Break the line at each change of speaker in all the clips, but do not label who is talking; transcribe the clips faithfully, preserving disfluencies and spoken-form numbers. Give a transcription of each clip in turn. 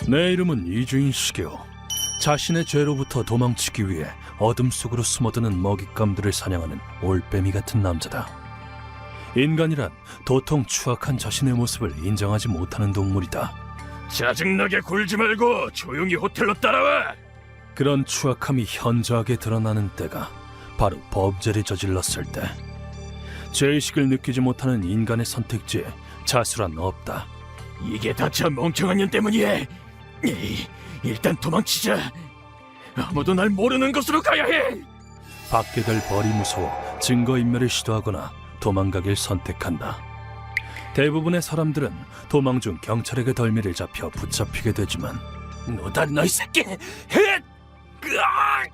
내 이름은 이주인 시게오. 자신의 죄로부터 도망치기 위해 어둠 속으로 숨어드는 먹잇감들을 사냥하는 올빼미 같은 남자다. 인간이란 도통 추악한 자신의 모습을 인정하지 못하는 동물이다.
짜증나게 굴지 말고 조용히 호텔로 따라와.
그런 추악함이 현저하게 드러나는 때가 바로 범죄를 저질렀을 때. 죄의식을 느끼지 못하는 인간의 선택지에 자수란 없다.
이게 다 저 멍청한 년 때문이야. 에이, 일단 도망치자. 아무도 날 모르는 곳으로 가야 해.
받게 될 벌이 무서워 증거인멸을 시도하거나 도망가길 선택한다. 대부분의 사람들은 도망 중 경찰에게 덜미를 잡혀 붙잡히게 되지만
너다 너이 새끼. 헷! 으악!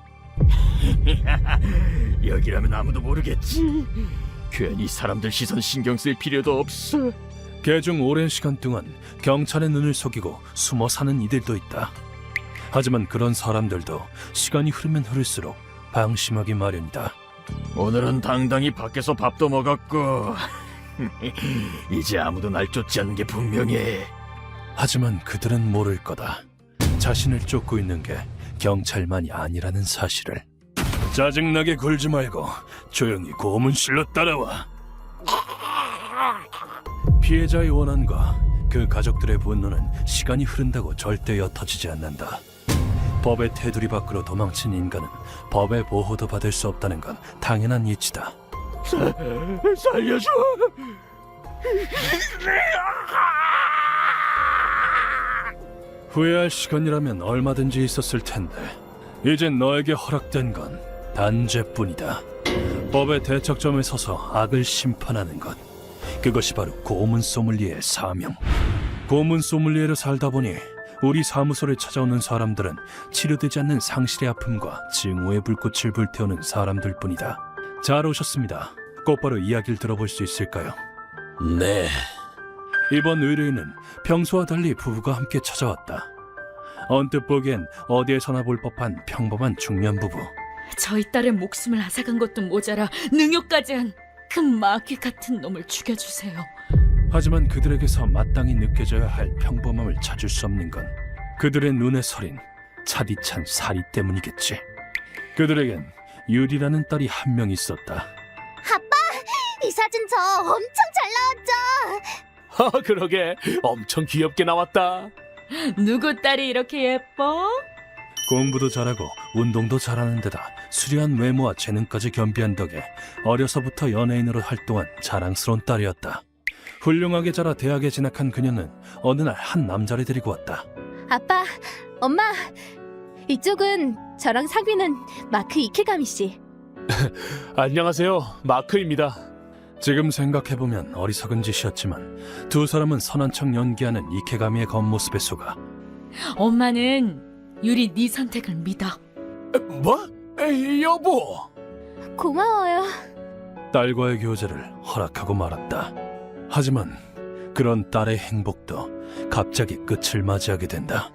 여기라면 아무도 모르겠지. 괜히 사람들 시선 신경 쓸 필요도 없어.
개중 오랜 시간 동안 경찰의 눈을 속이고 숨어 사는 이들도 있다. 하지만 그런 사람들도 시간이 흐르면 흐를수록 방심하기 마련이다.
오늘은 당당히 밖에서 밥도 먹었고 이제 아무도 날 쫓지 않는 게 분명해.
하지만 그들은 모를 거다. 자신을 쫓고 있는 게 경찰만이 아니라는 사실을. 짜증나게 굴지 말고 조용히 고문실로 따라와. 피해자의 원한과 그 가족들의 분노는 시간이 흐른다고 절대 옅어지지 않는다. 법의 테두리 밖으로 도망친 인간은 법의 보호도 받을 수 없다는 건 당연한 이치다.
사, 살려줘.
후회할 시간이라면 얼마든지 있었을 텐데 이젠 너에게 허락된 건 단죄뿐이다. 법의 대척점에 서서 악을 심판하는 것, 그것이 바로 고문 소믈리에의 사명. 고문 소믈리에로 살다 보니 우리 사무소를 찾아오는 사람들은 치료되지 않는 상실의 아픔과 증오의 불꽃을 불태우는 사람들뿐이다. 잘 오셨습니다. 곧바로 이야기를 들어볼 수 있을까요?
네.
이번 의뢰인은 평소와 달리 부부가 함께 찾아왔다. 언뜻 보기엔 어디에서나 볼 법한 평범한 중년 부부.
저희 딸의 목숨을 앗아간 것도 모자라 능욕까지 한 그 마귀 같은 놈을 죽여주세요.
하지만 그들에게서 마땅히 느껴져야 할 평범함을 찾을 수 없는 건 그들의 눈에 서린 차디찬 사리 때문이겠지. 그들에겐 유리라는 딸이 한 명 있었다.
아빠! 이 사진 저 엄청 잘 나왔죠?
아, 그러게 엄청 귀엽게 나왔다.
누구 딸이 이렇게 예뻐?
공부도 잘하고 운동도 잘하는 데다 수려한 외모와 재능까지 겸비한 덕에 어려서부터 연예인으로 활동한 자랑스러운 딸이었다. 훌륭하게 자라 대학에 진학한 그녀는 어느 날 한 남자를 데리고 왔다.
아빠, 엄마, 이쪽은 저랑 사귀는 마크 이케가미 씨.
안녕하세요, 마크입니다.
지금 생각해보면 어리석은 짓이었지만 두 사람은 선한 척 연기하는 이케가미의 겉모습에 속아.
엄마는 유리 네 선택을 믿어.
뭐? 에이, 여보.
고마워요.
딸과의 교제를 허락하고 말았다. 하지만 그런 딸의 행복도 갑자기 끝을 맞이하게 된다.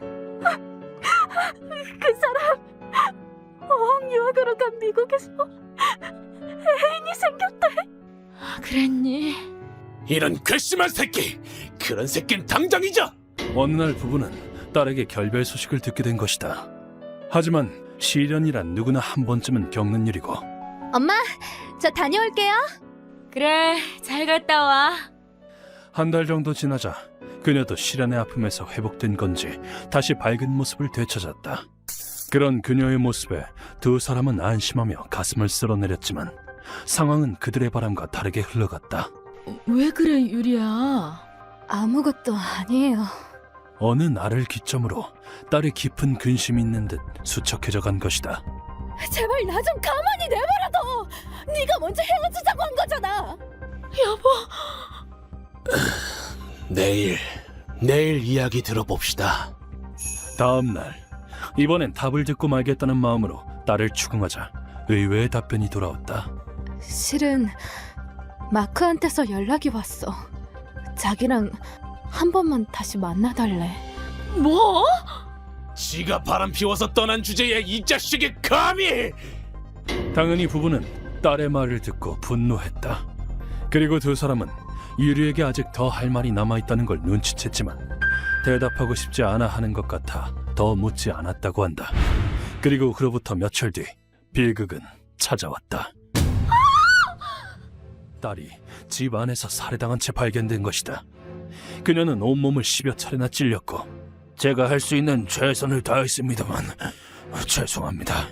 그 사람 어학 유학으로 간 미국에서 애인이 생겼대.
그랬니?
이런 괘씸한 새끼. 그런 새끼는 당장 잊어.
어느 날 부부는 딸에게 결별 소식을 듣게 된 것이다. 하지만 시련이란 누구나 한 번쯤은 겪는 일이고.
엄마, 저 다녀올게요.
그래, 잘 갔다 와.
한 달 정도 지나자 그녀도 시련의 아픔에서 회복된 건지 다시 밝은 모습을 되찾았다. 그런 그녀의 모습에 두 사람은 안심하며 가슴을 쓸어내렸지만 상황은 그들의 바람과 다르게 흘러갔다.
왜 그래, 유리야?
아무것도 아니에요.
어느 날을 기점으로 딸의 깊은 근심이 있는 듯 수척해져 간 것이다.
제발 나 좀 가만히 내버려둬. 네가 먼저 헤어지자고 한 거잖아.
여보.
내일, 내일 이야기 들어봅시다.
다음 날, 이번엔 답을 듣고 말겠다는 마음으로 딸을 추궁하자 의외의 답변이 돌아왔다.
실은 마크한테서 연락이 왔어. 자기랑 한 번만 다시 만나달래.
뭐?
지가 바람 피워서 떠난 주제에 이 자식이 감히!
당연히 부부는 딸의 말을 듣고 분노했다. 그리고 두 사람은 유리에게 아직 더 할 말이 남아있다는 걸 눈치챘지만 대답하고 싶지 않아 하는 것 같아 더 묻지 않았다고 한다. 그리고 그로부터 며칠 뒤 빌극은 찾아왔다. 딸이 집 안에서 살해당한 채 발견된 것이다. 그녀는 온몸을 십여 차례나 찔렸고 제가 할 수 있는 최선을 다했습니다만 죄송합니다.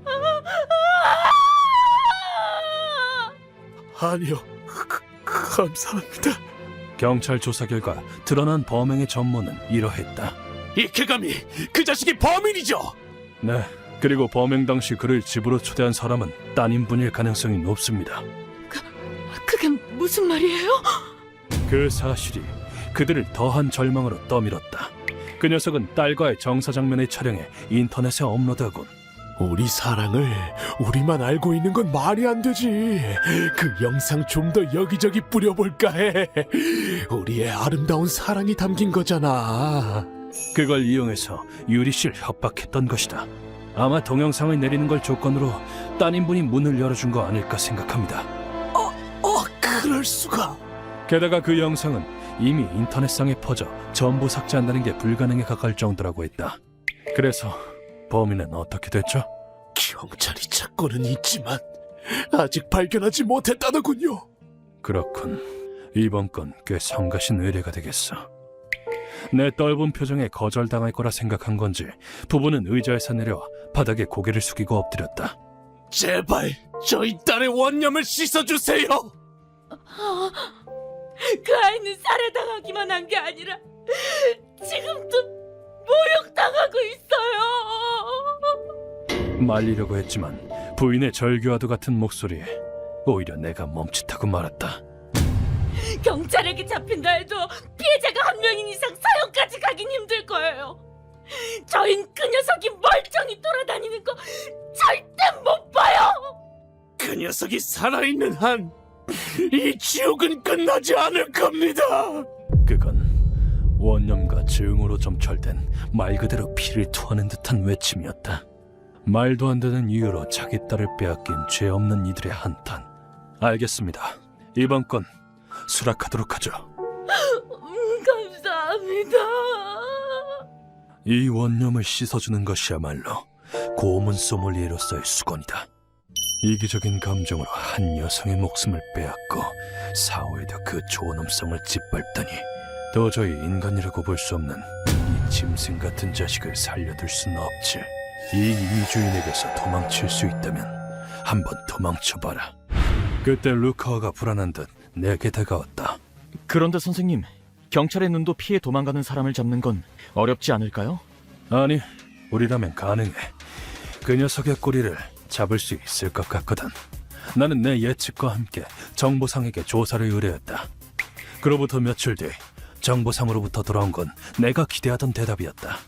아니요, 그, 감사합니다.
경찰 조사 결과 드러난 범행의 전모는 이러했다.
이케가미, 그 자식이 범인이죠.
네, 그리고 범행 당시 그를 집으로 초대한 사람은 따님분일 가능성이 높습니다.
그게 무슨 말이에요?
그 사실이 그들을 더한 절망으로 떠밀었다. 그 녀석은 딸과의 정사 장면을 촬영해 인터넷에 업로드하곤
우리 사랑을 우리만 알고 있는 건 말이 안 되지. 그 영상 좀 더 여기저기 뿌려볼까 해. 우리의 아름다운 사랑이 담긴 거잖아.
그걸 이용해서 유리 씨를 협박했던 것이다. 아마 동영상을 내리는 걸 조건으로 따님분이 문을 열어준 거 아닐까 생각합니다.
어, 그럴 수가.
게다가 그 영상은 이미 인터넷상에 퍼져 전부 삭제한다는 게 불가능에 가까울 정도라고 했다. 그래서 범인은 어떻게 됐죠?
경찰이 찾고는 있지만 아직 발견하지 못했다더군요.
그렇군. 이번 건 꽤 성가신 의뢰가 되겠어. 내 떫은 표정에 거절당할 거라 생각한 건지 부부는 의자에서 내려와 바닥에 고개를 숙이고 엎드렸다.
제발 저희 딸의 원념을 씻어주세요.
그 아이는 살해당하기만 한 게 아니라 지금도 모욕당하고 있어요.
말리려고 했지만 부인의 절규와도 같은 목소리에 오히려 내가 멈칫하고 말았다.
경찰에게 잡힌다 해도 피해자가 한 명인 이상 사형까지 가긴 힘들 거예요. 저흰 그 녀석이 멀쩡히 돌아다니는 거 절대 못 봐요.
그 녀석이 살아있는 한 이 지옥은 끝나지 않을 겁니다.
그건 원념과 증오로 점철된 말 그대로 피를 토하는 듯한 외침이었다. 말도 안 되는 이유로 자기 딸을 빼앗긴 죄 없는 이들의 한탄. 알겠습니다. 이번 건 수락하도록 하죠.
음, 감사합니다.
이 원념을 씻어주는 것이야말로 고문 소믈리에로서의 수건이다. 이기적인 감정으로 한 여성의 목숨을 빼앗고 사후에도 그 존엄성을 짓밟다니 도저히 인간이라고 볼 수 없는 이 짐승 같은 자식을 살려둘 수는 없지. 이 이주인에게서 도망칠 수 있다면 한번 도망쳐봐라. 그때 루카와가 불안한 듯 내게 다가왔다.
그런데 선생님, 경찰의 눈도 피해 도망가는 사람을 잡는 건 어렵지 않을까요?
아니, 우리라면 가능해. 그 녀석의 꼬리를 잡을 수 있을 것 같거든. 나는 내 예측과 함께 정보상에게 조사를 의뢰했다. 그로부터 며칠 뒤 정보상으로부터 돌아온 건 내가 기대하던 대답이었다.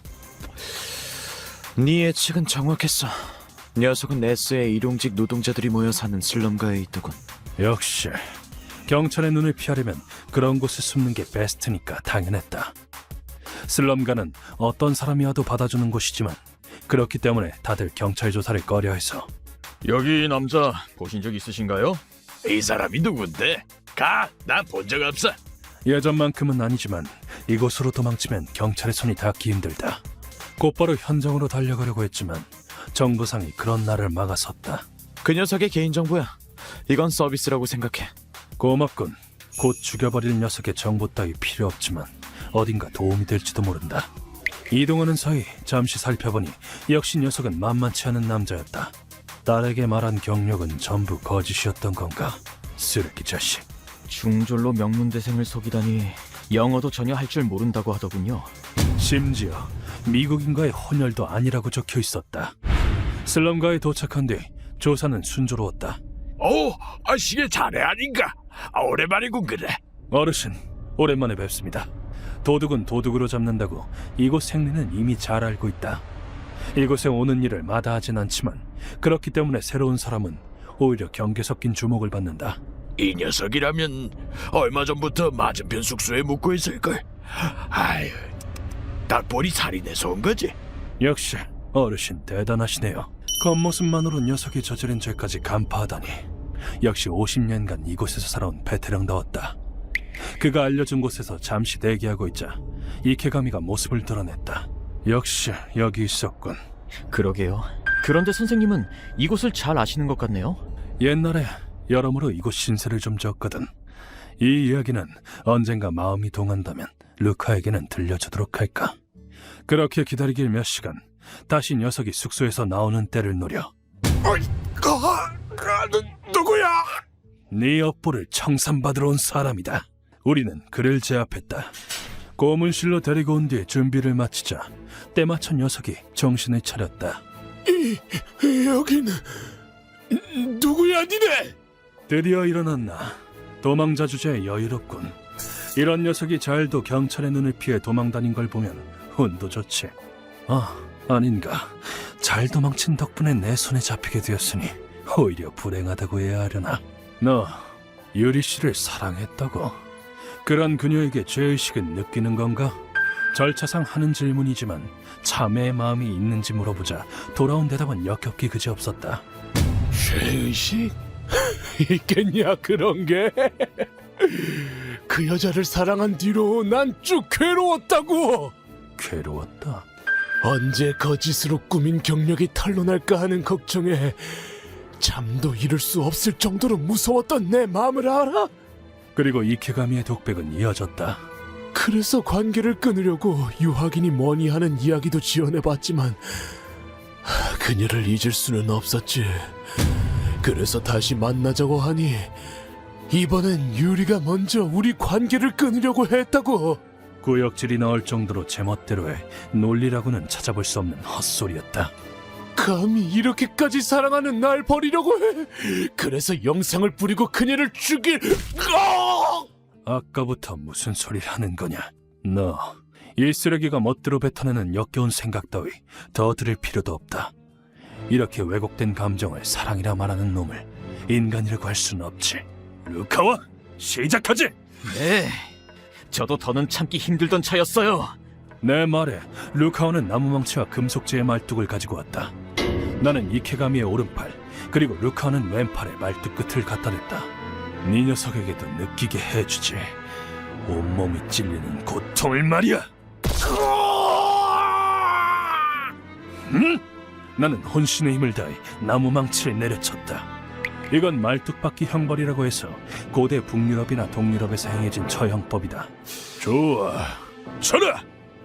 네 예측은 정확했어. 녀석은 에스의 일용직 노동자들이 모여 사는 슬럼가에 있더군.
역시 경찰의 눈을 피하려면 그런 곳에 숨는 게 베스트니까 당연했다. 슬럼가는 어떤 사람이 와도 받아주는 곳이지만 그렇기 때문에 다들 경찰 조사를 꺼려해서.
여기 남자 보신 적 있으신가요?
이 사람이 누군데? 가, 난 본 적 없어.
예전만큼은 아니지만 이곳으로 도망치면 경찰의 손이 닿기 힘들다. 곧바로 현장으로 달려가려고 했지만 정보상이 그런 나를 막아섰다.
그 녀석의 개인정보야. 이건 서비스라고 생각해.
고맙군. 곧 죽여버릴 녀석의 정보 따위 필요 없지만 어딘가 도움이 될지도 모른다. 이동하는 사이 잠시 살펴보니 역시 녀석은 만만치 않은 남자였다. 딸에게 말한 경력은 전부 거짓이었던 건가? 쓰레기 자식.
중졸로 명문대생을 속이다니 영어도 전혀 할 줄 모른다고 하더군요.
심지어 미국인과의 혼혈도 아니라고 적혀 있었다. 슬럼가에 도착한 뒤 조사는 순조로웠다.
오, 아, 시계 자네 아닌가? 아, 오랜만이군 그래.
어르신, 오랜만에 뵙습니다. 도둑은 도둑으로 잡는다고 이곳 생리는 이미 잘 알고 있다. 이곳에 오는 일을 마다하진 않지만 그렇기 때문에 새로운 사람은 오히려 경계 섞인 주목을 받는다.
이 녀석이라면 얼마 전부터 맞은편 숙소에 묵고 있을걸. 아유, 딱 보니 살인해서 온 거지.
역시 어르신 대단하시네요. 겉모습만으로 녀석이 저지른 죄까지 간파하다니. 역시 오십 년간 이곳에서 살아온 베테랑다웠다. 그가 알려준 곳에서 잠시 대기하고 있자 이케가미가 모습을 드러냈다. 역시 여기 있었군.
그러게요. 그런데 선생님은 이곳을 잘 아시는 것 같네요.
옛날에 여러모로 이곳 신세를 좀 졌거든. 이 이야기는 언젠가 마음이 동한다면 루카에게는 들려주도록 할까. 그렇게 기다리길 몇 시간, 다시 녀석이 숙소에서 나오는 때를 노려
누구야?
네 업보를 청산받으러 온 사람이다. 우리는 그를 제압했다. 고문실로 데리고 온 뒤에 준비를 마치자 때마쳐 녀석이 정신을 차렸다.
여기는 누구야 니네?
드디어 일어났나. 도망자 주제에 여유롭군. 이런 녀석이 잘도 경찰의 눈을 피해 도망다닌 걸 보면 운도 좋지. 아, 아닌가. 잘 도망친 덕분에 내 손에 잡히게 되었으니 오히려 불행하다고 해야 하려나. 너 유리 씨를 사랑했다고? 그런 그녀에게 죄의식은 느끼는 건가? 절차상 하는 질문이지만 참회의 마음이 있는지 물어보자 돌아온 대답은 역겹기 그지없었다.
죄의식? 있겠냐 그런 게? 그 여자를 사랑한 뒤로 난 쭉 괴로웠다고.
괴로웠다.
언제 거짓으로 꾸민 경력이 탄로날까 하는 걱정에 잠도 이룰 수 없을 정도로 무서웠던 내 마음을 알아?
그리고 이케가미의 독백은 이어졌다.
그래서 관계를 끊으려고 유학이니 뭐니 하는 이야기도 지어내봤지만 하, 그녀를 잊을 수는 없었지. 그래서 다시 만나자고 하니 이번엔 유리가 먼저 우리 관계를 끊으려고 했다고.
구역질이 나올 정도로 제멋대로의 논리라고는 찾아볼 수 없는 헛소리였다.
감히 이렇게까지 사랑하는 날 버리려고 해. 그래서 영상을 뿌리고 그녀를 죽일. 어!
아까부터 무슨 소리를 하는 거냐? 너, 이 쓰레기가 멋대로 뱉어내는 역겨운 생각 따위 더 들을 필요도 없다. 이렇게 왜곡된 감정을 사랑이라 말하는 놈을 인간이라고 할 수는 없지. 루카와 시작하지!
네. 저도 더는 참기 힘들던 차였어요.
내 말에 루카와는 나무망치와 금속재의 말뚝을 가지고 왔다. 나는 이케가미의 오른팔, 그리고 루카와는 왼팔에 말뚝 끝을 갖다 댔다. 네 녀석에게도 느끼게 해주지. 온몸이 찔리는 고통을 말이야. 응? 나는 혼신의 힘을 다해 나무망치를 내려쳤다. 이건 말뚝박기 형벌이라고 해서 고대 북유럽이나 동유럽에서 행해진 처형법이다. 좋아, 쳐라!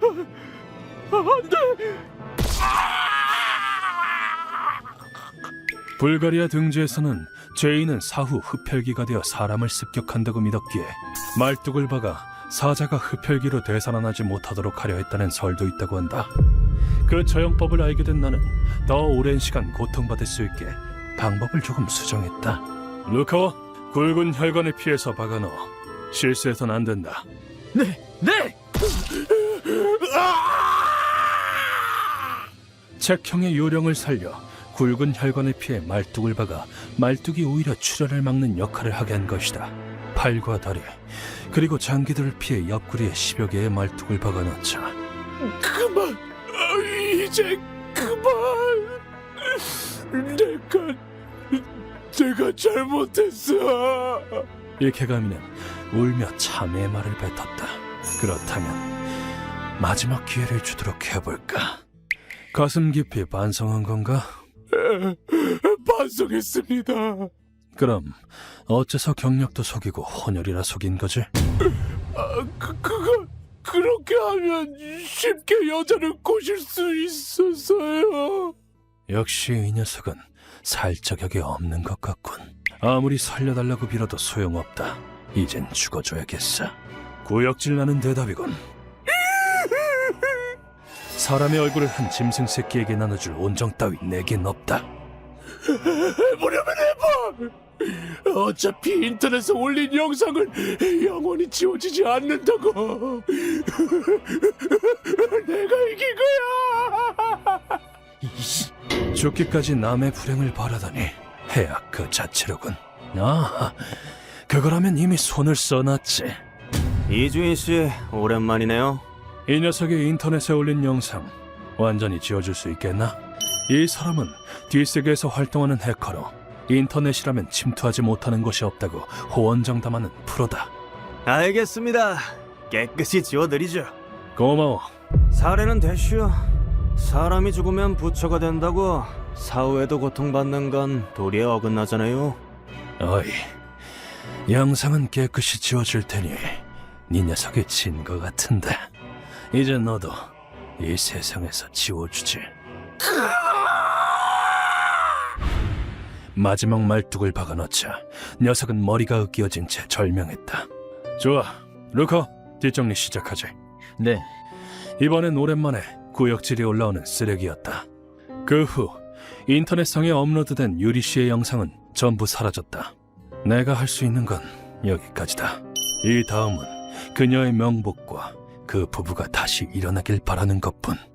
불가리아 등지에서는 죄인은 사후 흡혈귀가 되어 사람을 습격한다고 믿었기에 말뚝을 박아 사자가 흡혈귀로 되살아나지 못하도록 하려 했다는 설도 있다고 한다. 그 처형법을 알게 된 나는 더 오랜 시간 고통받을 수 있게 방법을 조금 수정했다. 루카와 굵은 혈관을 피해서 박아넣어. 실수해선 안 된다.
네, 네.
책형의 요령을 살려 굵은 혈관을 피해 말뚝을 박아 말뚝이 오히려 출혈을 막는 역할을 하게 한 것이다. 팔과 다리, 그리고 장기들을 피해 옆구리에 십여 개의 말뚝을 박아 넣자.
그만. 아, 이제 그만. 내가 내가 잘못했어.
이케가미는 울며 참회의 말을 뱉었다. 그렇다면 마지막 기회를 주도록 해볼까? 가슴 깊이 반성한 건가?
반성했습니다.
그럼 어째서 경력도 속이고 혼혈이라 속인 거지?
아, 그, 그거 그렇게 하면 쉽게 여자를 꼬실 수 있어서요.
역시 이 녀석은 살 자격이 없는 것 같군. 아무리 살려달라고 빌어도 소용없다. 이젠 죽어줘야겠어. 구역질 나는 대답이군. 사람의 얼굴을 한 짐승 새끼에게 나눠줄 온정 따위 내겐 없다.
해보려면 해봐. 어차피 인터넷에 올린 영상을 영원히 지워지지 않는다고. 내가 이긴 거야.
죽기까지 남의 불행을 바라다니 해악 그 자체로군. 아, 그거라면 이미 손을 써놨지.
이주인 씨, 오랜만이네요.
이 녀석이 인터넷에 올린 영상 완전히 지워줄 수 있겠나? 이 사람은 뒷세계에서 활동하는 해커로 인터넷이라면 침투하지 못하는 곳이 없다고 호언장담하는 프로다.
알겠습니다. 깨끗이 지워드리죠.
고마워.
사례는 대쉬요. 사람이 죽으면 부처가 된다고 사후에도 고통받는 건 도리에 어긋나잖아요.
어이, 영상은 깨끗이 지워줄 테니 네 녀석이 진 것 같은데 이제 너도 이 세상에서 지워주지. 마지막 말뚝을 박아넣자 녀석은 머리가 으깨어진 채 절명했다. 좋아, 루커, 뒷정리 시작하지.
네.
이번엔 오랜만에 구역질이 올라오는 쓰레기였다. 그 후 인터넷상에 업로드된 유리 씨의 영상은 전부 사라졌다. 내가 할 수 있는 건 여기까지다. 이 다음은 그녀의 명복과 그 부부가 다시 일어나길 바라는 것뿐.